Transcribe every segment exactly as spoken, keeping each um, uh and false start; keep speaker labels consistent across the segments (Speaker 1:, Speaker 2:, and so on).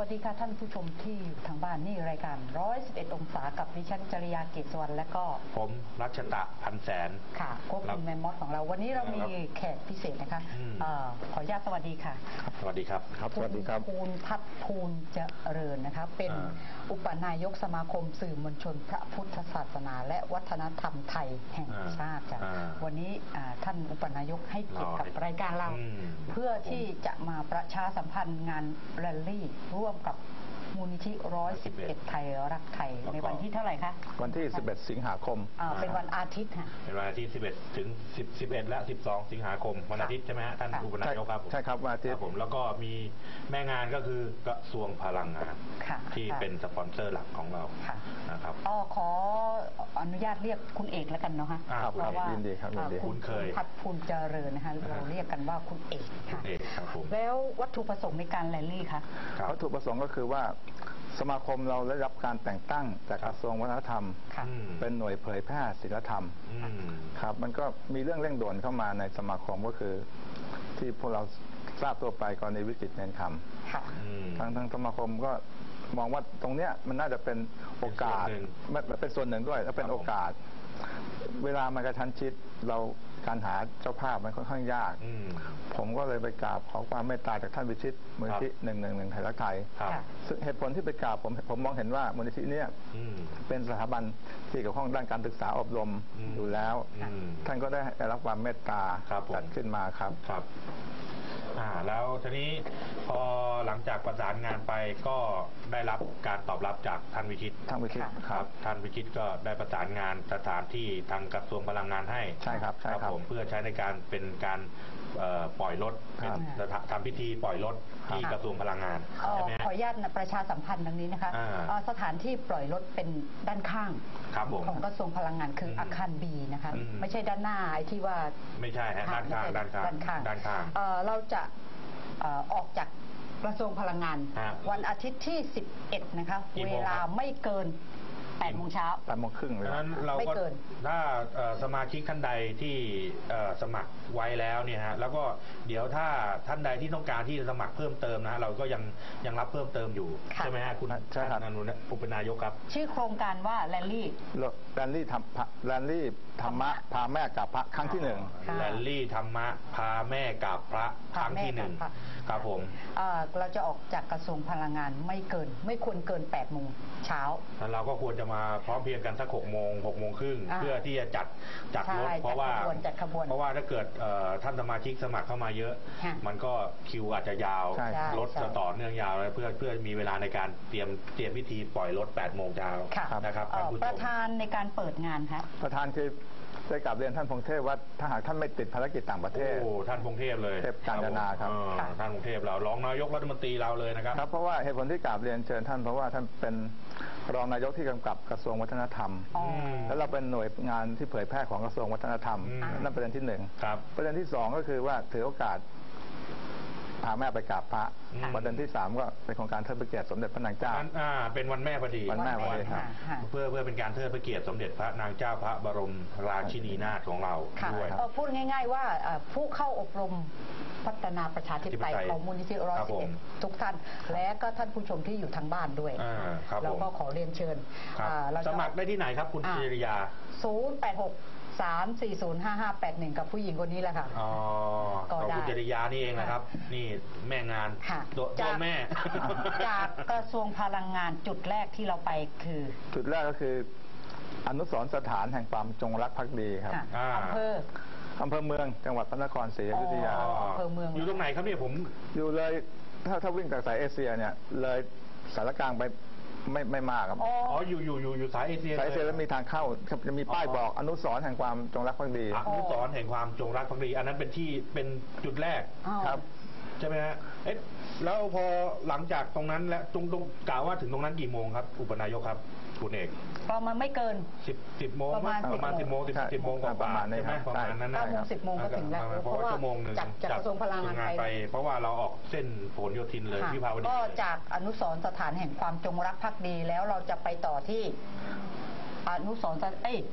Speaker 1: ดีค่ะท่านผู้ชมที่อยู่ทางบ้านนี่รายการหนึ่งร้อยสิบเอ็ดองศากับดิฉันจริยาเกศวรรณและก็
Speaker 2: ผมรัชตะพันแสน
Speaker 1: ค่ะควบคุมแมมมอสของเราวันนี้เรามีแขกพิเศษนะคะขออนุญาตสวัสดีค่ะ
Speaker 2: สวัสดีครับ
Speaker 3: ครับสวัสดีครับ
Speaker 1: ภูลพัฒน์ภูลเจริญนะคะเป็นอุปนายกสมาคมสื่อมวลชนพระพุทธศาสนาและวัฒนธรรมไทยแห่งชาติค่ะวันนี้ท่านอุปนายกให้เกียรติกับรายการเราเพื่อที่จะมาประชาสัมพันธ์งานแรลลี่ร่วมกับมูลนิธิหนึ่งร้อยสิบเอ็ดไทยรักไทยในวันที่เท่าไหร่คะ
Speaker 3: วันที่สิบเอ็ดสิงหาคม
Speaker 1: เป็นวันอาทิตย์ค่ะ
Speaker 2: เป็นวันอาทิตย์สิบเอ็ดถึงสิบ สิบเอ็ดและสิบสองสิงหาคมวันอาทิตย์ใช่ไหมฮะท่านอุปนายกครับ
Speaker 3: ใช่ครับวันอาทิตย์
Speaker 2: ผมแล้วก็มีแม่งานก็คือกระทรวงพลังงานที่เป็นสปอนเซอร์หลักของเรานะครับ
Speaker 1: อ๋อขออนุญาตเรียกคุณเอกแล้วกันเนาะฮะ
Speaker 3: เพราะว่า
Speaker 1: คุณเคยพัฒน์ภูลเจริญนะคะเราเรียกกันว่าคุณเอกค่ะแล้ววัตถุประสงค์ในการแรลลี่คะ
Speaker 3: วัตถุประสงค์ก็คือว่าสมาคมเราได้รับการแต่งตั้งจากกระทรวงวัฒนธรรมเป็นหน่วยเผยแพร่ศีลธรรมครับมันก็มีเรื่องเร่งด่วนเข้ามาในสมาคมก็คือที่พวกเราทราบตัวไปกรณีวิกฤตเนนคำทางทางสมาคมก็มองว่าตรงเนี้ยมันน่าจะเป็นโอกาสเป็นส่วนหนึ่งด้วยและเป็นโอกาสเวลามันกระชั้นชิดเราการหาเจ้าภาพมันค่อนข้างยากผมก็เลยไปกราบขอความเมตตาจากท่านวิชิตมูลนิธิหนึ่งหนึ่งหนึ่งไทยรักไทยซึ่งเหตุผลที่ไปกราบผมผมมองเห็นว่ามูลนิธินี้เป็นสถาบันที่เกี่ยวข้องด้านการศึกษาอบรมอยู่แล้วท่านก็ได้รับความเมตตาจัดขึ้นมาครับ
Speaker 2: ครับอ่าแล้วทีนี้พอหลังจากประสานงานไปก็ได้รับการตอบรับจากท่านวิชิต
Speaker 3: ท่านวิชิต
Speaker 2: ครับท่านวิชิตก็ได้ประสานงานสถานที่ทางกระทรวงพลังงานให้
Speaker 3: ใช่ครับใช่ครับ
Speaker 2: ผมเพื่อใช้ในการเป็นการปล่อยรถเป็นทำพิธีปล่อยรถที่กระทรวงพลังงาน
Speaker 1: ขออนุญาตประชาสัมพันธ์ดังนี้นะคะสถานที่ปล่อยรถเป็นด้านข้างของกระทรวงพลังงานคืออาคารบีนะคะไม่ใช่ด้านหน้าไอ้ที่ว่า
Speaker 2: ไม่ใช่ฮะด้านข้างด้านข้าง
Speaker 1: ด้านข้าง
Speaker 2: ด้านข้าง
Speaker 1: เราจะออกจากกระทรวงพลังงานวันอาทิตย์ที่สิบเอ็ดนะคะเวลาไม่เกินแปดโมงเช้า
Speaker 3: แปดโมงครึ่งเลย
Speaker 2: นั้นเราก็ถ้าสมาชิกท่านใดที่สมัครไว้แล้วเนี่ยฮะแล้วก็เดี๋ยวถ้าท่านใดที่ต้องการที่จะสมัครเพิ่มเติมนะเราก็ยังยังรับเพิ่มเติมอยู่ใช่ไหมฮะคุณ
Speaker 3: ใช่ครับ
Speaker 2: นันนุผู้เป็นนายกครับ
Speaker 1: ชื่อโครงการว่าแรลลี่
Speaker 3: แรลลี่ธรรมแรลลี่ธรรมะพาแม่กับพระครั้งที่หนึ่ง
Speaker 2: แรลลี่ธรรมะพาแม่กับพระครั้งที่หนึ่งครับผม
Speaker 1: เราจะออกจากกระทรวงพลังงานไม่เกินไม่ควรเกินแปดโมงเช้า
Speaker 2: แล้วเราก็ควรจะมาพร้อมเพียงกันสักหกโมงหกโมงครึ่งเพื่อที่จะจัดจัดรถเพราะว่าเพราะว่าถ้าเกิดท่านสมาชิกสมัครเข้ามาเยอะมันก็คิวอาจจะยาวรถจะต่อเนื่องยาวเลยเพื่อเพื่อมีเวลาในการเตรียมเตรียมพิธีปล่อยรถแปดโมงเช้านะครับ
Speaker 1: ประธานในการเปิดงานครับ
Speaker 3: ประธานคือได้กลับเรียนท่านพงเทพว่าถ้าหากท่านไม่ติดภารกิจต่างประเทศ
Speaker 2: โอ้ท่านพงเทพเลย
Speaker 3: เทพกาญจนาครับ
Speaker 2: ท่านพงเทพเรารองนายกรัฐมนตรีเราเลยนะครับ
Speaker 3: ครับเพราะว่าเหตุผลที่กลับเรียนเชิญท่านเพราะว่าท่านเป็นรองนายกที่กำกับกระทรวงวัฒนธรรมแล้วเราเป็นหน่วยงานที่เผยแพร่ของกระทรวงวัฒนธรรมนั่นประเด็นที่หนึ่งประเด็นที่สองก็คือว่าถือโอกาสพาแม่ไปกราบพระประเด็นที่สามก็เป็นโครงการเทิดพระเกียรติสมเด็จพระนางเจ้า
Speaker 2: อ่าเป็นวันแม่พอดี
Speaker 3: วันแม่พอดีครับ
Speaker 2: เพื่อเพื่อเป็นการเทิดพระเกียรติสมเด็จพระนางเจ้าพระบรมราชินีนาถของเราด้วย
Speaker 1: พูดง่ายๆว่าผู้เข้าอบรมพัฒนาประชาธิปไตยของมูลนิธิหนึ่งร้อยสิบเอ็ดทุกท่านและก็ท่านผู้ชมที่อยู่ทางบ้านด้วยแล้วก็ขอเรียนเชิญ
Speaker 2: สมัครได้ที่ไหนครับคุณจิริยา
Speaker 1: ศูนย์ แปด หก สาม สี่ ศูนย์ ห้า ห้า แปด หนึ่งกับผู้หญิงคนนี้แหละค่ะ
Speaker 2: อ๋อคุณจริยานี่เองนะครับนี่แม่งานตัวแม่
Speaker 1: จากกระทรวงพลังงานจุดแรกที่เราไปคือ
Speaker 3: จุดแรกก็คืออนุสรณ์สถานแห่งความจงรักภักดีครับ
Speaker 1: อำเภอ
Speaker 3: อำเภอเมืองจังหวัดพระนครศรีอยุธยา
Speaker 1: อำเภอเมือง
Speaker 2: อยู่ตรงไหนครับเนี่ยผม
Speaker 3: อยู่เลยถ้าถ้าวิ่งจากสายเอเชียเนี่ยเลยสารกลางไปไม่ไม่มากครับ
Speaker 2: อ๋ออยู่อยู่อยู่อยู่สายเอเชีย
Speaker 3: สายเอเชียแล้วมีทางเข้าจะมีป้ายบอกอนุสรณ์แห่งความจงรักภักดี
Speaker 2: อนุสรณ์แห่งความจงรักภักดีอันนั้นเป็นที่เป็นจุดแรก
Speaker 3: ครับ
Speaker 2: ใช่ไหมฮะเอ๊ะแล้วพอหลังจากตรงนั้นแล้วตรงตรงกล่าวว่าถึงตรงนั้นกี่โมงครับอุปนายกครับคุณเอก
Speaker 1: ประมาณไม่เกิน
Speaker 2: สิบสิบโมงประมาณประมาณสิบโมงสิบสิบโมงกว่า
Speaker 3: ประมาณ
Speaker 2: นั้นประมาณนั้น
Speaker 1: เก้าโมงสิบโมงก็ถึงแล้ว
Speaker 2: เพราะว่าชั่วโมงหนึ่ง
Speaker 1: จากกระทรวงพลังงาน
Speaker 2: ไปเพราะว่าเราออกเส้นผลโยธินเลยวิภาวดี
Speaker 1: ก็จากอนุสรณ์สถานแห่งความจงรักภักดีแล้วเราจะไปต่อที่อนุสรณ์เอ้ย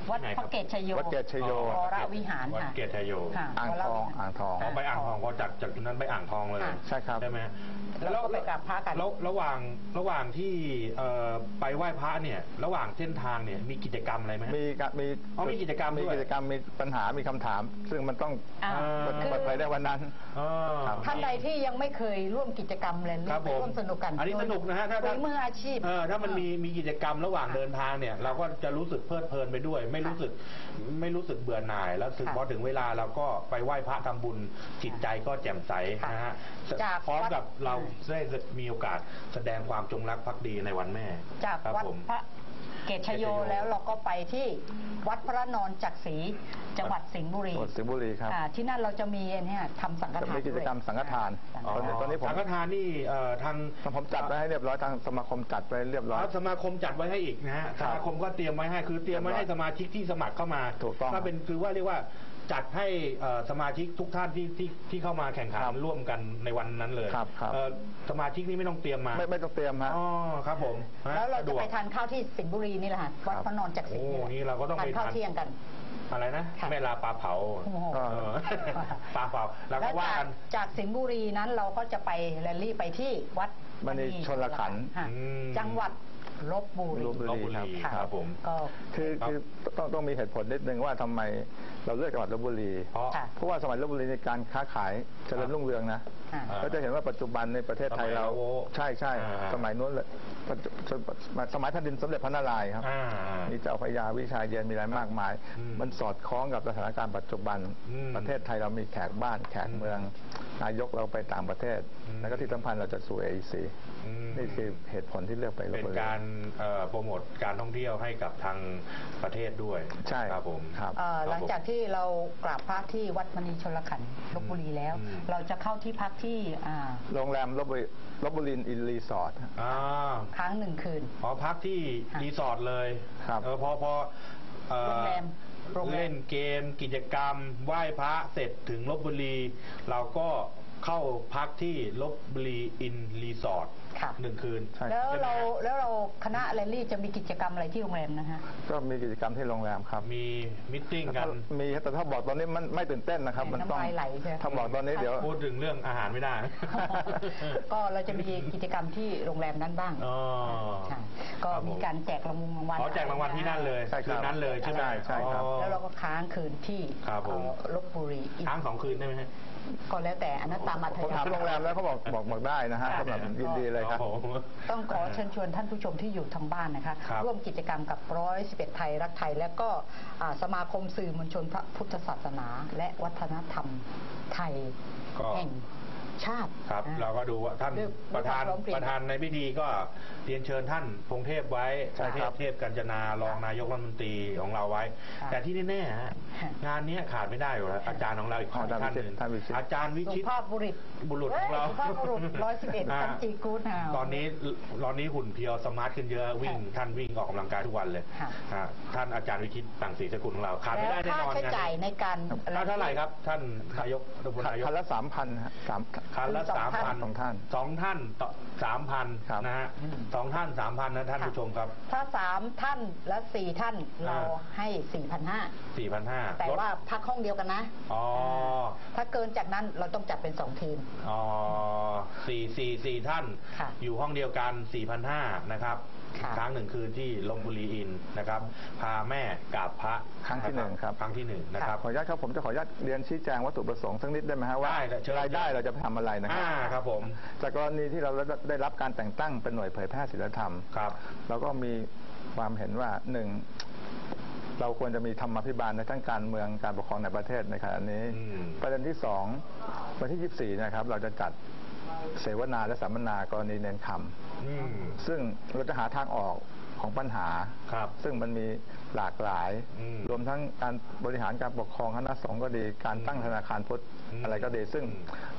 Speaker 1: วัดพระเกศชโย
Speaker 3: วัดเกศชโยว
Speaker 1: รวิหาร
Speaker 2: วัด
Speaker 1: ค่ะ
Speaker 2: เกศชโย
Speaker 1: ค่ะ
Speaker 3: อ่างทองอ่างทอง
Speaker 2: พอไปอ่างทองก็จากจากนั้นไปอ่างทองเลย
Speaker 1: ค่ะ
Speaker 3: ใช่ครับ
Speaker 2: ใช่ไหม
Speaker 1: แล้วก็ไปกราบพระกัน
Speaker 2: แล้วระหว่างระหว่างที่เอ่อไปไหว้พระเนี่ยระหว่างเส้นทางเนี่ยมีกิจกรรมอะไรไหม
Speaker 3: มีกะมี
Speaker 2: อ๋อมีกิจกรรมด้วย
Speaker 3: มีกิจกรรมมีปัญหามีคำถาม ซึ่งมันต้อง
Speaker 1: อ่า
Speaker 2: เปิด
Speaker 1: คือ
Speaker 3: เปิดเผยได้วันนั้น
Speaker 2: อ๋อ
Speaker 3: ครับ
Speaker 1: ท่านใดที่ยังไม่เคยร่วมกิจกรรมเลย
Speaker 2: ครับผม
Speaker 1: ร่วมสนุกกัน
Speaker 2: อันนี้สนุกนะฮะถ้า
Speaker 1: โด
Speaker 2: ถ้า
Speaker 1: ยมืออาชีพ
Speaker 2: เออถ้ามันมีมีกิจกรรมระหว่างเดินทางเนี่ยเราก็จะรู้สึกเพลิดเพลินไปด้วย ไม่รู้สึกไม่รู้สึกเบื่อหน่าย แล้วถึง
Speaker 1: ค่ะ
Speaker 2: พอถึงเวลาเราก็ไปไหว้พระทำบุญจิตใจก็แจ่มใส
Speaker 1: ค่ะ
Speaker 2: นะฮะ
Speaker 1: จาก
Speaker 2: พร้อม
Speaker 1: วัด
Speaker 2: กับเราได้มีโอกาสแสดงความจงรักภักดีในวันแม่
Speaker 1: จาก
Speaker 2: ครับ
Speaker 1: วัด
Speaker 2: ผม
Speaker 1: พระเกศชโยแล้วเราก็ไปที่วัดพระนอนจักรีจังหวัดสิงห์บุรี
Speaker 3: จังหวัดสิงห์บุรีครับ
Speaker 1: อ่าที่นั่นเราจะมีเนี่ยทำสังฆ
Speaker 3: จะ
Speaker 1: ทาน
Speaker 3: มีกิจกรรม
Speaker 1: ด้วย
Speaker 3: สังฆทาน
Speaker 1: อ่
Speaker 3: ตอนนี้ตอนนี้ผม
Speaker 2: สังฆทานนี่เอ่อทาง
Speaker 3: ผมจัดไว้ให้เรียบร้อยทางสมาคมจัดไว้เรียบร้อย
Speaker 2: สมาคมจัดไว้ให้อีกนะฮะ
Speaker 3: ค
Speaker 2: ส
Speaker 3: รับ
Speaker 2: มาคมก็เตรียมไว้ให้คือเตรียมไว้ให้สมาชิกที่สมัครเข้ามา
Speaker 3: ถูกต้อง
Speaker 2: ก็เป็นคือว่าเรียกว่าจัดให้เอ่อสมาชิกทุกท่านที่ที่ที่เข้ามาแข่งขัน
Speaker 3: ครับ
Speaker 2: ร่วมกันในวันนั้นเลย
Speaker 3: ครับครับ
Speaker 2: เอ่อสมาชิกนี่ไม่ต้องเตรียมมา
Speaker 3: ไม่ไม่ต้องเตรียมฮะ
Speaker 2: อ๋อครับผมฮ
Speaker 1: แล้วเรา
Speaker 2: ส
Speaker 1: จะ
Speaker 2: วก
Speaker 1: ไปทานข้าวที่สิงห์บุรีนี่แหละค่ะวัดพระนอนจักรี
Speaker 2: โอ้นี่เราก็ต้อง
Speaker 1: ทาน
Speaker 2: ไป
Speaker 1: ข้าว
Speaker 2: ทาน
Speaker 1: เที่ยงกัน
Speaker 2: อะไรนะ
Speaker 1: ค่ะ
Speaker 2: แม่ลาปลาเผา
Speaker 1: โอ้โห
Speaker 2: เออปลาเผาแล้วก็
Speaker 1: แล้ว
Speaker 2: ว่า
Speaker 1: จาก
Speaker 2: กัน
Speaker 1: จากสิงห์บุรีนั้นเราก็จะไปแรลลี่ไปที่วัด
Speaker 3: มณีชลขันธ์
Speaker 1: ค่ะ
Speaker 2: อืม
Speaker 1: จังหวัดลบบุรี
Speaker 3: ลพบุ
Speaker 2: ลพบุรี
Speaker 1: ค่ะ
Speaker 2: ครับผม
Speaker 1: ก็
Speaker 3: คือ
Speaker 2: ครับ
Speaker 3: คือต้องต้องมีเหตุผลนิดนึงว่าทำไมเราเลือกจังหวัดลพบุรี
Speaker 2: เพราะ
Speaker 1: ค่ะ
Speaker 3: เพราะว่าสมัยลพบุรีในการค้าขายเจริญรุ่งเรืองนะ
Speaker 1: อ่า
Speaker 2: อ่า
Speaker 3: ก็จะเห็นว่าปัจจุบันในประเทศไทยเรา
Speaker 2: สมัยเรา
Speaker 3: ใช่ใช่
Speaker 2: อ่า
Speaker 3: สมัยนู้นเลยปัจจุสมัยแผ่นดินสมเด็จพระนารายณ์ครับ
Speaker 2: อ่า
Speaker 3: มีเจ้าพระยาวิชาเย็นมีอะไรมากมาย
Speaker 2: อืม
Speaker 3: มันสอดคล้องกับสถานการณ์ปัจจุบัน
Speaker 2: อืม
Speaker 3: ประเทศไทยเรามีแขกบ้านแขกเมือง นายกเราไปต่างประเทศ
Speaker 2: อืม
Speaker 3: แล้วก็ที่สำคัญเราจะสู่ เอ อี ซี
Speaker 2: อืม
Speaker 3: นี่คือเหตุผลที่เลือกไปลพ
Speaker 2: เป็น
Speaker 3: บุรี
Speaker 2: การเอ่อโปรโมทการท่องเที่ยวให้กับทางประเทศด้วย
Speaker 3: ใช่
Speaker 2: ครับผม
Speaker 3: ครับ
Speaker 1: เอ่อ
Speaker 2: ครับ
Speaker 1: หลังจากที่เรากราบพระที่วัดมณีชลขันธ์ลบบุรีแล้ว
Speaker 2: อืม
Speaker 1: เราจะเข้าที่พักที่อ่า
Speaker 3: โรงแรมลพบุรีลพบุรีอินรีสอร์ท
Speaker 2: อ่า
Speaker 1: ค้างหนึ่งคืน
Speaker 2: ขอพักที่
Speaker 1: ค่ะ
Speaker 2: รีสอร์ทเลย
Speaker 3: ครับ
Speaker 2: เออพอพอเอ่อ
Speaker 1: โรงแรมโรงแรม
Speaker 2: เล่นเกมกิจกรรมไหว้พระเสร็จถึงลบบุรี เราก็เข้าพักที่ลบบุรีอินรีสอร์ท
Speaker 1: ค่ะ
Speaker 2: หนึ่งคืน
Speaker 3: ใช่
Speaker 1: แล้ว
Speaker 2: ใช่ไหม
Speaker 1: เรา
Speaker 2: ฮะ
Speaker 1: แล้วเราคณะแรลลี่จะมีกิจกรรมอะไรที่โรงแรมนะฮะ
Speaker 3: ก็มีกิจกรรมที่โรงแรมครับ
Speaker 2: มีมิทติ้งกัน
Speaker 3: มีแต่ถ้าบอกตอนนี้มันไม่ตื่นเต้นนะครับ มันต้อง
Speaker 1: น้ำลายไหลใช่ไหม
Speaker 3: ถ้าบอกตอนนี้เดี๋ยว
Speaker 2: พูดถึงเรื่องอาหารไม่ได้
Speaker 1: ก็เราจะมีกิจกรรมที่โรงแรมนั้นบ้าง
Speaker 2: อ๋อ
Speaker 1: ค่ะก็
Speaker 2: ครับผม
Speaker 1: มีการแจกรางวัลรางวัล
Speaker 2: อ๋อแจกรางวัลที่นั่นเลย
Speaker 3: ใช่ครับ
Speaker 2: คืนนั้นเลยใช่ไหม
Speaker 3: ใช่ใช่ครับ
Speaker 2: อ๋อ
Speaker 1: แล้วเราก็ค้างคืนที่
Speaker 2: ครับผม
Speaker 1: เอ่อลบบุรีอีก
Speaker 2: ค้างสองคืนได้ไหมฮะ
Speaker 1: ก็แล้วแต่อนัตตามาท
Speaker 3: ผม
Speaker 1: ยา
Speaker 3: ถามโรงแรมแล้วเขาบอกบอกบอกได้นะฮะ
Speaker 1: ค่ะ
Speaker 3: สำหรับยินดีเลยครับ
Speaker 2: โอ้โห
Speaker 1: ต้องขอเชิญชวนท่านผู้ชมที่อยู่ทางบ้านนะคะ
Speaker 2: ครับ
Speaker 1: ร่วมกิจกรรมกับร้อยสิบเอ็ดไทยรักไทย และก็อ่าสมาคมสื่อมวลชนพระพุทธศาสนา และวัฒนธรรมไทย
Speaker 2: ก็
Speaker 1: แห่งชาติ
Speaker 2: ครับ
Speaker 1: อ่
Speaker 2: เราก็ดูว่าท่าน
Speaker 1: ด้วย
Speaker 2: ประธาน
Speaker 1: ด้วยความพร้อมเพรียง
Speaker 2: ประธานในพิธีก็เรียนเชิญท่านพงเทพไว้
Speaker 3: ใช่
Speaker 2: เท
Speaker 3: ครั
Speaker 2: พ
Speaker 3: บ
Speaker 2: เทพกัญจนารองนายกรัฐมนตรีของเราไว้
Speaker 1: ครับ
Speaker 2: แต่ที่แน่ๆฮะ
Speaker 1: ค่ะ
Speaker 2: งานเนี้ยขาดไม่ได้อยู่แล้วอาจารย์ของเราอีก
Speaker 3: อ๋ออาจารย์
Speaker 2: ท่านหนึ่ง
Speaker 3: ท่านวิชิต
Speaker 2: อาจารย์วิ
Speaker 1: สุ
Speaker 2: ชิต
Speaker 1: ภาพบุรุษ
Speaker 2: บุรุษของเรา
Speaker 1: สุภาพบุรุษร้อยสิบเอ็ด
Speaker 2: า
Speaker 1: สันติกู๊ดฮาว
Speaker 2: ตอนนี้ตอนนี้หุ่นเพรียวสมาร์ทขึ้นเยอะวิ่ง
Speaker 1: ค่ะ
Speaker 2: ท่านวิ่งออกกำลังกายทุกวันเลย
Speaker 1: ค่ะ
Speaker 2: ฮะท่านอาจารย์วิชิตต่างศรีสกุลของเราขาดไม่
Speaker 1: แล้ว
Speaker 2: ได้แน่
Speaker 1: ค่าน
Speaker 2: อน
Speaker 1: ใช้จ่ายในการ
Speaker 2: ค่าเท่าไหร่ครับ ท่านนายกรัฐมนตรีนายก
Speaker 3: คันละสามพันฮะสาม
Speaker 2: คันละ
Speaker 1: สอ
Speaker 2: สาง ม
Speaker 1: ท่าน
Speaker 2: พัน
Speaker 3: สองท่าน
Speaker 2: สองท่านต่อสามพัน
Speaker 3: ครับ
Speaker 2: นะฮะสองท่านสามพันนะท่านผู้ชมครับ
Speaker 1: ถ้าสามท่านและสี่ท่านเรา
Speaker 2: อ่า
Speaker 1: ให้สี่พันห้า
Speaker 2: สี่พันห้า
Speaker 1: แต่ว่าพักห้องเดียวกันนะ
Speaker 2: อ๋อ
Speaker 1: ถ้าเกินจากนั้นเราต้องจัดเป็นสองทีม
Speaker 2: อ๋อสี่สี่สี่ท่าน
Speaker 1: ค่ะ
Speaker 2: อยู่ห้องเดียวกันสี่พันห้านะครับ
Speaker 1: ค่ะ
Speaker 2: ครั้งหนึ่งคืนที่ลพบุรีอินนะครับ พาแม่กราบพระ
Speaker 3: ครั้งที่หนึ่งครับ
Speaker 2: ครั้งที่หนึ่งนะครับ
Speaker 3: ขออนุญาตครับผมจะขออนุญาตเรียนชี้แจงวัตถุประสงค์สักนิดได้ไหมฮะว่า
Speaker 2: ได้ครับเชิญ
Speaker 3: รายได้เราจะไปทำอะไรนะครั
Speaker 2: อ่าครับผม
Speaker 3: จากกรณีที่เราได้รับการแต่งตั้งเป็นหน่วยเผยแพร่ศีลธรรม
Speaker 2: ครับ
Speaker 3: เราก็มีความเห็นว่าหนึ่งเราควรจะมีธรรมาภิบาลในทั้งการเมืองการปกครองในประเทศในขณะนี้
Speaker 2: อืม
Speaker 3: ประเด็นที่สองวันที่ยี่สิบสี่นะครับ เราจะจัดเสวนาและสัมมนากรณีเนนค
Speaker 2: อืม
Speaker 3: ำซึ่งเราจะหาทางออกของปัญหา
Speaker 2: ครับ
Speaker 3: ซึ่งมันมีหลากหลาย
Speaker 2: อืม
Speaker 3: รวมทั้งการบริหารการปกครองคณะสงฆ์ก็ดี การตั้งธนาคารพุทธ
Speaker 2: อืม
Speaker 3: อะไรก็ดี ซึ่ง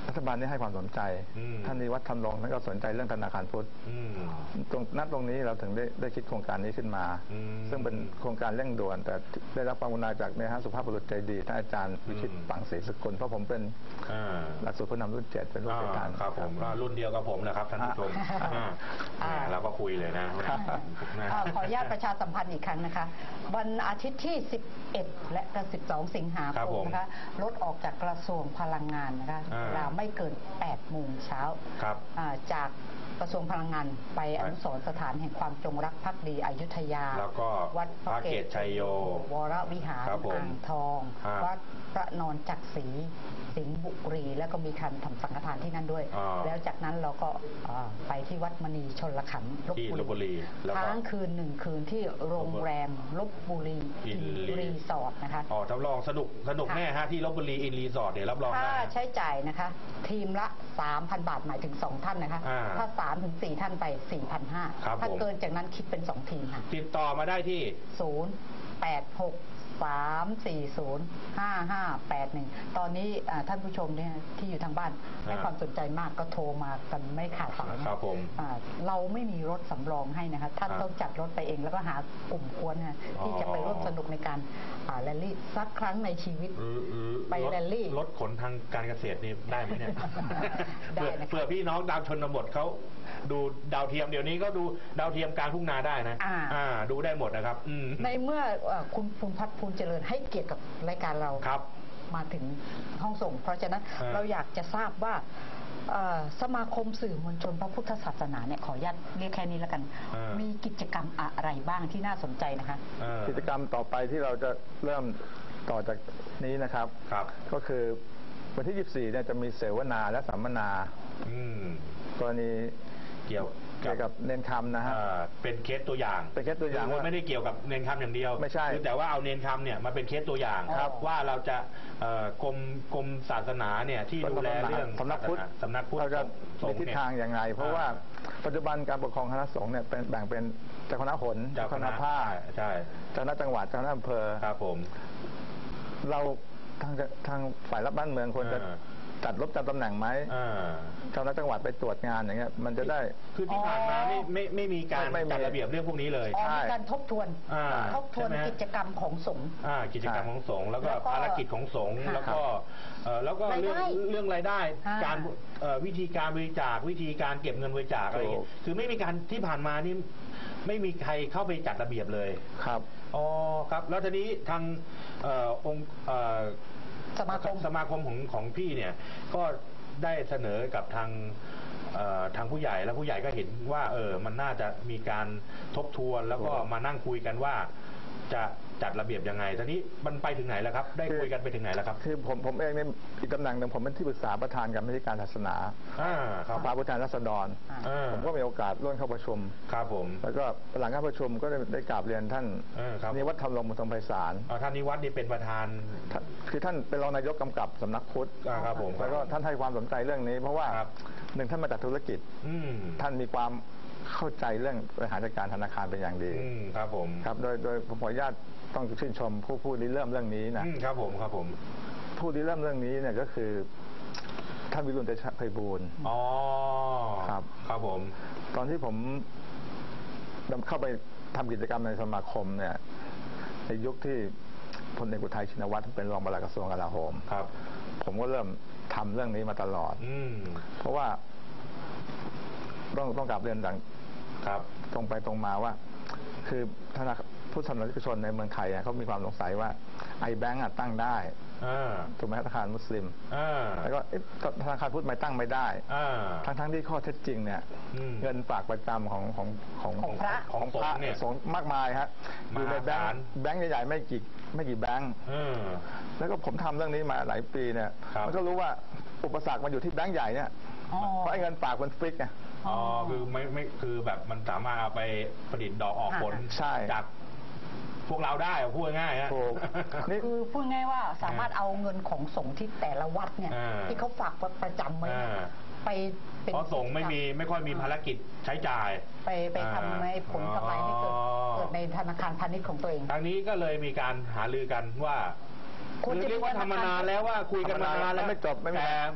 Speaker 3: รัฐบาลนี่ให้ความสนใจท่านนิวัฒน์ ธรรมรงค์ท่านก็สนใจเรื่องธนาคารพุทธตรงนัดตรงนี้เราถึงได้ได้คิดโครงการนี้ขึ้นมาซึ่งเป็นโครงการเร่งด่วนแต่ได้รับความกรุณาจากเนี่ยฮะสุภาพบุรุษใจดีท่านอาจารย์วิชิตปังศรีสกุลเพราะผมเป็นหลักสูตรผู้นำรุ่นเจ็ดเป็นรุ่นประธาน
Speaker 2: ครับผมรุ่นเดียวกับผมนะครับท่านผู้ชมเราก็คุยเลยนะ
Speaker 1: ขออนุญาตประชาสัมพันธ์อีกครั้งนะคะวันอาทิตย์ที่สิบเอ็ดและสิบสองสิงหาคมนะคะรถออกจากกระทรวงพลังงานนะคะเวลาไม่เกินแปดโมงเช้าจากกระทรวงพลังงานไปอนุสรณ์สถานแห่งความจงรักภักดีอยุธยา
Speaker 2: แล้วก็วัดพระเกศชัยโยว
Speaker 1: รวิหารอ่างทองวัดพระนอนจักรี สิงห์บุรีแล้วก็มีการทำสังฆทานที่นั่นด้วยแล้วจากนั้นเราก็ไปที่วัดมณีชลขันธ์ล
Speaker 2: พบุรี
Speaker 1: ค้างคืนหนึ่งคืนที่โรงแรมลพบุรีอินรีสอร์ทนะคะ
Speaker 2: อ๋อรับรองสนุกสนุกแน่ฮะที่ลพบุรีอินรีสอร์ทเนี่ยรับรอง
Speaker 1: ค่าใช้จ่ายนะคะทีมละ สามพัน บาทหมายถึงสองท่านนะคะถ้าสามถึงสี่ท่านไป สี่พันห้าร้อย ถ้าเกินจากนั้นคิดเป็นสองทีมค่ะ
Speaker 2: ติดต่อมาได้ที่
Speaker 1: ศูนย์ แปด หก สาม สี่ ศูนย์ ห้า ห้า แปด หนึ่งตอนนี้ท่านผู้ชมเนี่ยที่อยู่ทางบ้านให้ความสนใจมากก็โทรมากันไม่ขาดสาย
Speaker 2: ครับผม
Speaker 1: เราไม่มีรถสำรองให้นะคะท่านต้องจัดรถไปเองแล้วก็หากลุ่มกวนนะที่จะไปร่วมสนุกในการแรลลี่สักครั้งในชีวิตไปแรลลี่
Speaker 2: รถขนทางการเกษตรนี่ได้ไหมเนี่ยได้นะเผื่อพี่น้องดาวชนบทเขาดูดาวเทียมเดี๋ยวนี้ก็ดูดาวเทียมกลางทุ่งนาได้นะดูได้หมดนะครับ
Speaker 1: ในเมื่อคุณภูมิพัฒน์ภูมิเจริญให้เกียรติกับรายการเรามาถึงห้องส่งเพราะฉะนั้นเราอยากจะทราบว่าสมาคมสื่อมวลชนพระพุทธศาสนาเนี่ยขออนุญาตเรียกแค่นี้แล้วกันมีกิจกรรมอะไรบ้างที่น่าสนใจนะคะ
Speaker 3: กิจกรรมต่อไปที่เราจะเริ่มต่อจากนี้นะครับก็คือวันที่ยี่สิบสี่เนี่ยจะมีเสวนาและสัมมนากรณี
Speaker 2: เกี่ยว
Speaker 3: เกี่ยวกับเนนคำนะฮะ
Speaker 2: เป็นเคสตัวอย่าง
Speaker 3: เป็นเคสตัวอย่าง
Speaker 2: ว่าไม่ได้เกี่ยวกับเนนคำอย่างเดียว
Speaker 3: ไม่ใช่
Speaker 2: คือแต่ว่าเอาเนนคำเนี่ยมาเป็นเคสตัวอย่างว่าเราจะกรมกรมศาสนาเนี่ยที่ดูแลเรื่อง
Speaker 3: สำนักพุทธ
Speaker 2: สำนักพุทธ
Speaker 3: เราจะมีทิศทางอย่างไรเพราะว่าปัจจุบันการปกครองคณะสงฆ์เนี่ยเป็นแบ่งเป็นเจ้าคณะหนเจ้าคณะภาค
Speaker 2: ใช่
Speaker 3: เจ้าคณะจังหวัดเจ้าคณะอำเภอ
Speaker 2: ครับผม
Speaker 3: เราทางทางฝ่ายรับบ้านเมืองควรจะจัดลบจำตำแหน่งไหมเจ้าหน้าที่จังหวัดไปตรวจงานอย่างเงี้ยมันจะได้
Speaker 2: คือที่ผ่านมาไม่ไม่ไม่มีการจัดระเบียบเรื่องพวกนี้เลย
Speaker 1: มีการทบทวนทบทวนกิจกรรมของสงฆ์
Speaker 2: กิจกรรมของสงฆ์แล้วก็ภารกิจของสงฆ์แล้วก็แล้วก็เรื่องเรื่องรายได้การวิธีการบริจาควิธีการเก็บเงินบริจาคอะไรอย่างเงี้ยคือไม่มีการที่ผ่านมานี่ไม่มีใครเข้าไปจัดระเบียบเลย
Speaker 3: ครับ
Speaker 2: อ๋อครับแล้วทีนี้ทางองค์
Speaker 1: สมาคม
Speaker 2: สมาคมของของพี่เนี่ยก็ได้เสนอกับทางทางผู้ใหญ่แล้วผู้ใหญ่ก็เห็นว่าเออมันน่าจะมีการทบทวนแล้วก็มานั่งคุยกันว่าจะจัดระเบียบยังไงตอนนี้มันไปถึงไหนแล้วครับได้คุยกันไปถึงไหนแล้วครับ
Speaker 3: คือผมผมเองเนี่ยอีกตำแหน่งหนึ่งผมเป็นที่ปรึกษาประธานกรรมธิการศาสนาสภาผู้แทนราษฎรผมก็มีโอกาสร่วมเข้าประชุม
Speaker 2: ครับผม
Speaker 3: แล้วก็หลังการประชุมก็ได้ได้กราบเรียนท่านนิวัฒน์ ธรรมรงค์ บุญทรงไพศาล
Speaker 2: ท่านนิวัฒน์นี่เป็นประธาน
Speaker 3: คือท่านเป็นรองนายกกำกับสำนักพุทธ
Speaker 2: ครับผม
Speaker 3: แล้วก็ท่านให้ความสนใจเรื่องนี้เพราะว่าหนึ่งท่านมาจากธุรกิจท่านมีความเข้าใจเรื่องบริหารจัดการธนาคารเป็นอย่างดี
Speaker 2: ครับผม
Speaker 3: ครับโดยโดยผมขออนุญาตต้องชื่นชมผู้ผู้ริเริ่มเรื่องนี้
Speaker 2: นะครับผมครับผม
Speaker 3: ผู้ริเริ่มเรื่องนี้เนี่ยก็คือท่านวิรุณเตชะไพบูลย์
Speaker 2: อ๋อ
Speaker 3: ครับ
Speaker 2: ครับผม
Speaker 3: ตอนที่ผมเข้าไปทำกิจกรรมในสมาคมเนี่ยในยุคที่พลเอกอุทัยชินวัตรเป็นรองปลัดกระทรวงกลาโหม
Speaker 2: ครับ
Speaker 3: ผมก็เริ่มทำเรื่องนี้มาตลอด
Speaker 2: อื
Speaker 3: เพราะว่าต้องต้องกลับเรียนดัง
Speaker 2: ครับ
Speaker 3: ตรงไปตรงมาว่าคือธนาคารผู้สนับสนุนชนในเมืองไทยเขามีความสงสัยว่าไอแบงก์ตั้งได้ถูกไหมธนาคารมุสลิมแล้วก็ธนาคารพุทธไม่ตั้งไม่ได้ทั้งทั้งที่ข้อเท็จจริงเนี่ยเงินฝากประจำของของ
Speaker 1: ของของพระ
Speaker 3: ของพระสงฆ์มากมายฮะอยู่ในแบงก์แบงก์ใหญ่ๆไม่กี่ไม่กี่แบงก์แล้วก็ผมทำเรื่องนี้มาหลายปีเนี่ยมันก็รู้ว่าอุปสรรคมันอยู่ที่แบงก์ใหญ่เนี่ยเพราะเงินฝากมันฟิกไง
Speaker 2: อ๋อคือไม่ไม่คือแบบมันสามารถเอาไปผลิตดอกออกผลจากพวกเราได้พูดง่ายฮะ
Speaker 1: นี่คือพูดง่ายว่าสามารถเอาเงินของสงฆ์ที่แต่ละวัดเนี่ยที่เขาฝากประจำไว้ไป
Speaker 2: เพราะสงฆ์ไม่มีไม่ค่อยมีภารกิจใช้จ่าย
Speaker 1: ไปไปทำให้ผลกำไรให้เกิดเกิดในธนาคารพาณิชย์ของตัวเอง
Speaker 2: ทางนี้ก็เลยมีการหารือกันว่าคือเรียกว่าทำมานานแล้วว่าคุยกันมานานแล้ว
Speaker 3: ไม่จบไม่
Speaker 2: แต่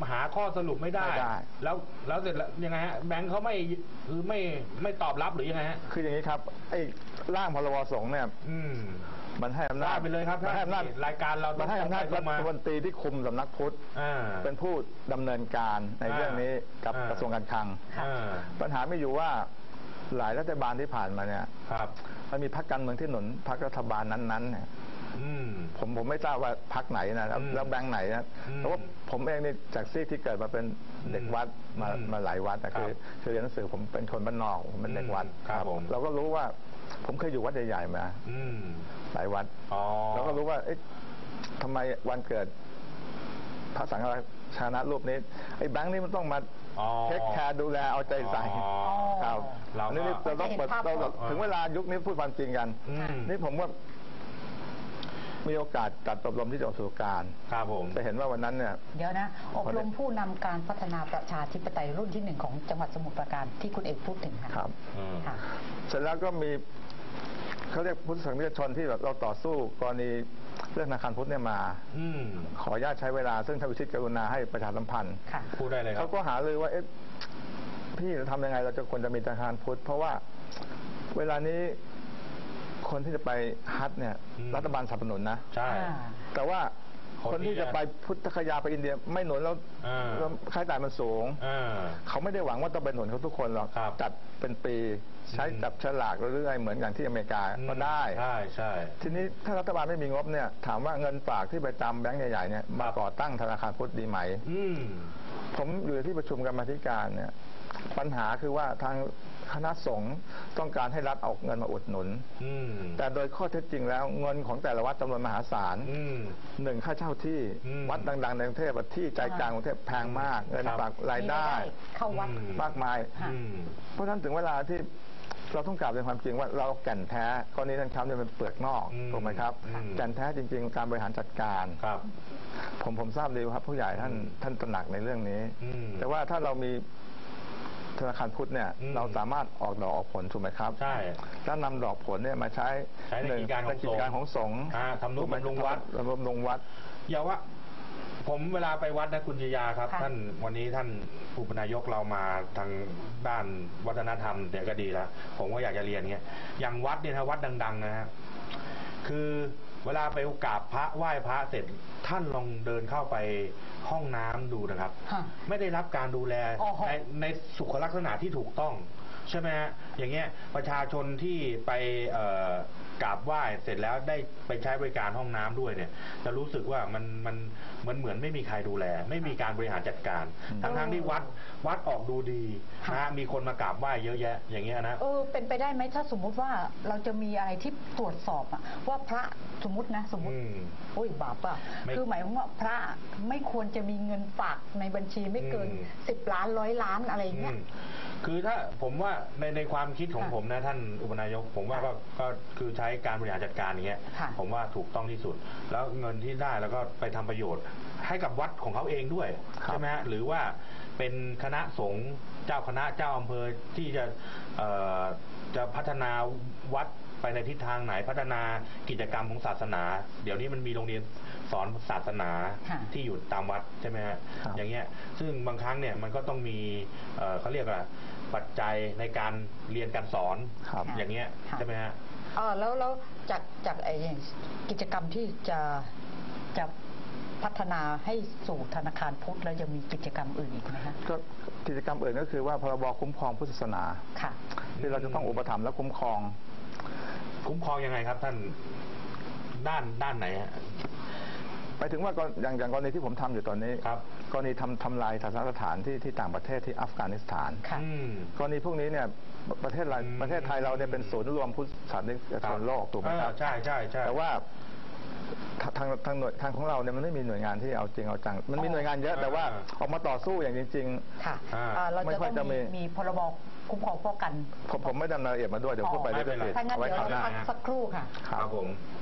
Speaker 2: หาข้อสรุปไม่ได้
Speaker 3: ไม่ได้
Speaker 2: แล้วแล้วเสร็จแล้วยังไงฮะแบงค์เขาไม่คือไม่ไม่ตอบรับหรือยังไงฮะ
Speaker 3: คืออย่างนี้ครับไอ้ร่างพรบสงฆ์เนี่ย
Speaker 2: อืม
Speaker 3: มันให้อำนาจ
Speaker 2: ว่าไปเลยครับ
Speaker 3: มันให้อำนาจ
Speaker 2: รายการเรา
Speaker 3: มันให้อำนาจ
Speaker 2: ต้
Speaker 3: รั
Speaker 2: องมา
Speaker 3: ฐมนตรีที่คุมสำนักพุทธ
Speaker 2: อ่า
Speaker 3: เป็นผู้ดำเนินการในเรื่องนี้กับ
Speaker 2: อ่าก
Speaker 3: ระทรวงการคลัง
Speaker 2: อ่า
Speaker 3: ปัญหาไม่อยู่ว่าหลายรัฐบาลที่ผ่านมาเนี่ย
Speaker 2: ครับ
Speaker 3: มันมีพรรคการเมืองที่หนุนพรรครัฐบาลนั้นๆเนี่ย
Speaker 2: อืม
Speaker 3: ผมผมไม่ทราบว่าพรรคไหนนะแล้ว
Speaker 2: อืม
Speaker 3: แล้วแบงค์ไหนนะ
Speaker 2: อืม
Speaker 3: แต่ว่าผมเองนี่จากซีกที่เกิดมาเป็นเด็กวัดมา
Speaker 2: อืม
Speaker 3: มาหลายวัดนะคือ
Speaker 2: ครับ
Speaker 3: คือเรียนหนังสือผมเป็นคนบ้านนอกผมเป็นเด็กวัด
Speaker 2: อืมครับผม
Speaker 3: เราก็รู้ว่าผมเคยอยู่วัดใหญ่ๆมา
Speaker 2: อืม
Speaker 3: หลายวัด
Speaker 2: อ๋อ
Speaker 3: เราก็รู้ว่าเอ๊ะทำไมวันเกิดพระสังฆราชานะรูปนี้ไอ้แบงค์นี่มันต้องมา
Speaker 2: อ๋อ
Speaker 3: เทคแคร์ดูแลเอาใจใส่
Speaker 2: อ๋อ
Speaker 3: ครับ
Speaker 2: เราก็
Speaker 3: นี่เราต้องเปิดเราถึงเวลายุคนี้พูดความจริงกัน
Speaker 2: อืม
Speaker 3: นี่ผมว่ามีโอกาสจัดอบรมที่จังหวัดสมุทรปราการ
Speaker 2: ครับผม
Speaker 3: จะเห็นว่าวันนั้นเนี่ย
Speaker 1: เดี๋ยวนะอบรมผู้นำการพัฒนาประชาธิปไตยรุ่นที่หนึ่งของจังหวัดสมุทรปราการที่คุณเอกพูดถึงค่ะ
Speaker 3: ครับ
Speaker 2: อืม
Speaker 1: ค่ะ
Speaker 3: เสร็จแล้วก็มีเขาเรียกพุทธสังฆชนที่แบบเราต่อสู้กรณีเรื่องธนาคารพุทธเนี่ยมา
Speaker 2: อืม
Speaker 3: ขออนุญาตใช้เวลาซึ่งท่านวิชิตกรุณาให้ประชาสัมพันธ์
Speaker 1: ค่ะ
Speaker 2: พูดได้เลยครั
Speaker 3: เขา
Speaker 2: บ
Speaker 3: ก็หาเลยว่าเอ๊ะพี่จะทำยังไงเราจะควรจะมีธนาคารพุทธเพราะว่าเวลานี้คนที่จะไปฮัทเนี่ย
Speaker 2: อืม
Speaker 3: รัฐบาลสนับสนุนนะ
Speaker 2: ใช่
Speaker 3: แต่ว่า
Speaker 2: คน
Speaker 3: คน
Speaker 2: ที่
Speaker 3: ที่จะไปพุทธคยาไปอินเดียไม่หนุนแล้ว
Speaker 2: อ่า
Speaker 3: แล้วค่าใช้จ่ายมันสูง
Speaker 2: อ่า
Speaker 3: เขาไม่ได้หวังว่าต้องเป็นหนุนเขาทุกคนหรอก
Speaker 2: ครับ
Speaker 3: จัดเป็นปีใช้
Speaker 2: อืม
Speaker 3: จับฉลากเรื่อยๆเหมือนอย่างที่อเมริกาก็ได้
Speaker 2: ใช่ใช่
Speaker 3: ทีนี้ถ้ารัฐบาลไม่มีงบเนี่ยถามว่าเงินฝากที่ไปจำแบงก์ใหญ่ๆเนี่ยมาก่อตั้งธนาคารพุทธดีไหม
Speaker 2: อืม
Speaker 3: ผมอยู่ในที่ประชุมกรรมาธิการเนี่ยปัญหาคือว่าทางคณะสงฆ์ต้องการให้รัฐเอาเงินมาอุดหนุน
Speaker 2: อืม
Speaker 3: แต่โดยข้อเท็จจริงแล้วเงินของแต่ละวัดจำนวนมหาศาล
Speaker 2: อืม
Speaker 3: หนึ่งค่าเช่าที่
Speaker 2: อืม
Speaker 3: วัดดังๆในกรุงเทพที่ใจกลางกรุงเทพแพงมาก เงิน
Speaker 2: ครับ
Speaker 3: ฝากรายได้
Speaker 1: มีรายได้เข้าวัด
Speaker 2: อืม
Speaker 3: มากมาย
Speaker 1: ค่ะ
Speaker 2: อืม
Speaker 3: เพราะฉะนั้นถึงเวลาที่เราต้องกล่าวเป็นความจริงว่าเราแก่นแท้กรณีท่านครับเนี่ยเป็นเปลือกนอก
Speaker 2: อืม
Speaker 3: ถูกไหมครับ
Speaker 2: อืม
Speaker 3: แก่นแท้จริง ๆ การบริหารจัดการ
Speaker 2: ครับ
Speaker 3: ผมผมทราบดีครับผู้ใหญ่ท่าน
Speaker 2: อืม
Speaker 3: ท่านตระหนักในเรื่องนี้
Speaker 2: อืม
Speaker 3: แต่ว่าถ้าเรามีธนาคารพุทธเนี่ย
Speaker 2: อืม
Speaker 3: เราสามารถออกดอกออกผลถูกไหมครับ
Speaker 2: ใช่
Speaker 3: แล้วนำดอกผลเนี่ยมาใช้
Speaker 2: ใช้ใน
Speaker 3: หนึ่
Speaker 2: กิจการของ
Speaker 3: ในกิจการของสงฆ์
Speaker 2: อ่าทำนุบำรุงวัด
Speaker 3: ทำนุบำรุงวัด
Speaker 2: อย่าว่า ผมเวลาไปวัดนะคุณชยาครับ
Speaker 1: ค่ะ
Speaker 2: ท่านวันนี้ท่านอุปนายกเรามาทางด้านวัฒนธรรมเนี่ยก็ดีแล้ว ผมก็อยากจะเรียนเงี้ยอย่างวัดเนี่ยนะวัดดัง ๆ นะฮะคือเวลาไปกราบพระไหว้พระเสร็จท่านลองเดินเข้าไปห้องน้ำดูนะครับ
Speaker 1: ฮะ
Speaker 2: ไม่ได้รับการดูแล
Speaker 1: โอ้โห
Speaker 2: ในในสุขลักษณะที่ถูกต้องใช่ไหมฮะอย่างเงี้ยประชาชนที่ไปเอ่อกราบไหว้เสร็จแล้วได้ไปใช้บริการห้องน้ำด้วยเนี่ย จะรู้สึกว่ามันมันมันเหมือนไม่มีใครดูแล ไม่มีการบริหารจัดการ
Speaker 3: อืม
Speaker 2: ทั้งทั้งที่วัดวัดออกดูดีนะฮะมีคนมากราบไหว้เยอะแยะ อย่างเงี้ยนะ
Speaker 1: เออเป็นไปได้ไหมถ้าสมมุติว่าเราจะมีอะไรที่ตรวจสอบอะว่าพระสมมตินะสมมติ
Speaker 2: อืม
Speaker 1: โอ้ยบาปอะ
Speaker 2: ไม่
Speaker 1: คือหมายความว่าพระไม่ควรจะมีเงินฝากในบัญชีไม่เกิน
Speaker 2: อืม
Speaker 1: สิบล้านร้อยล้านอะไรเงี้ย
Speaker 2: อืมคือถ้าผมว่าในในความคิดของ
Speaker 1: ค่ะ
Speaker 2: ผมนะท่านอุปนายก ผมว่าก็ก็คือใช้การบริหารจัดการอย่างเงี้ย
Speaker 1: ค่ะ
Speaker 2: ผมว่าถูกต้องที่สุด แล้วเงินที่ได้แล้วก็ไปทำประโยชน์ ให้กับวัดของเขาเองด้วย
Speaker 3: ครับ
Speaker 2: ใช่ไหมฮะหรือว่าเป็นคณะสงฆ์เจ้าคณะเจ้าอำเภอที่จะเอ่อจะพัฒนาวัดไปในทิศทางไหนพัฒนากิจกรรมของศาสนา เดี๋ยวนี้มันมีโรงเรียนสอนศาสนา
Speaker 1: ค่ะ
Speaker 2: ที่อยู่ตามวัดใช่ไหมฮะ
Speaker 3: ครับ
Speaker 2: อย่างเงี้ยซึ่งบางครั้งเนี่ยมันก็ต้องมีเอ่อเขาเรียกว่าปัจจัยในการเรียนการสอน
Speaker 3: ครับ
Speaker 2: อย่างเงี้ย
Speaker 1: ค่ะ
Speaker 2: ใช่ไหมฮะ
Speaker 1: เออแล้วแล้วจากจากไอ้อย่างกิจกรรมที่จะจะพัฒนาให้สู่ธนาคารพุทธแล้วยังมีกิจกรรมอื่นอีกไหมคะ
Speaker 3: ก็กิจกรรมอื่นก็คือว่าพรบคุ้มครองพุทธศาสนา
Speaker 1: ค่ะ
Speaker 3: ที่เราจะต้องอุปถัมภ์และคุ้มครอง
Speaker 2: คุ้มครองยังไงครับท่านด้านด้านไหนฮะ
Speaker 3: ไปถึงว่าก็อย่างอย่างกรณีที่ผมทำอยู่ตอนนี้
Speaker 2: ครับ
Speaker 3: กรณีทำทำลายศาสนสถานที่ที่ต่างประเทศที่อัฟกานิสถาน
Speaker 1: ค่ะ
Speaker 2: อืม
Speaker 3: กรณีพวกนี้เนี่ยประเทศเรา
Speaker 2: อืม
Speaker 3: ประเทศไทยเราเนี่ยเป็นศูนย์รวมพุทธศาสนิกชนโลกถูกไหมครับ
Speaker 2: เออใช่ใช่ใช่
Speaker 3: แต่ว่าทางทางทางหน่วยทางของเราเนี่ยมันไม่มีหน่วยงานที่เอาจริงเอาจัง มันมีหน่วยงานเยอะแต่ว่าออกมาต่อสู้อย่างจริง
Speaker 1: ค่ะ
Speaker 2: อ่า
Speaker 1: อ่าเรา
Speaker 3: ไม่
Speaker 1: จะ
Speaker 3: ค่
Speaker 1: ต้
Speaker 3: อ
Speaker 1: อย ง
Speaker 3: จะมี
Speaker 1: มีมีพรบคุ้มครองป้องกัน
Speaker 3: ๆ ผมผมไม่ดำเนินรายละเอียดมาด้วยเดี๋ยวพูดไป
Speaker 2: อ๋อ
Speaker 3: เรื่
Speaker 2: ไม่เป็นไร
Speaker 3: อย
Speaker 1: ถ้างั้น
Speaker 3: เอาไว้
Speaker 1: เดี๋ยว
Speaker 3: คราวห
Speaker 1: เรา
Speaker 3: น้า
Speaker 1: พักสักครู่ค่ะ
Speaker 3: ครับ
Speaker 2: ผม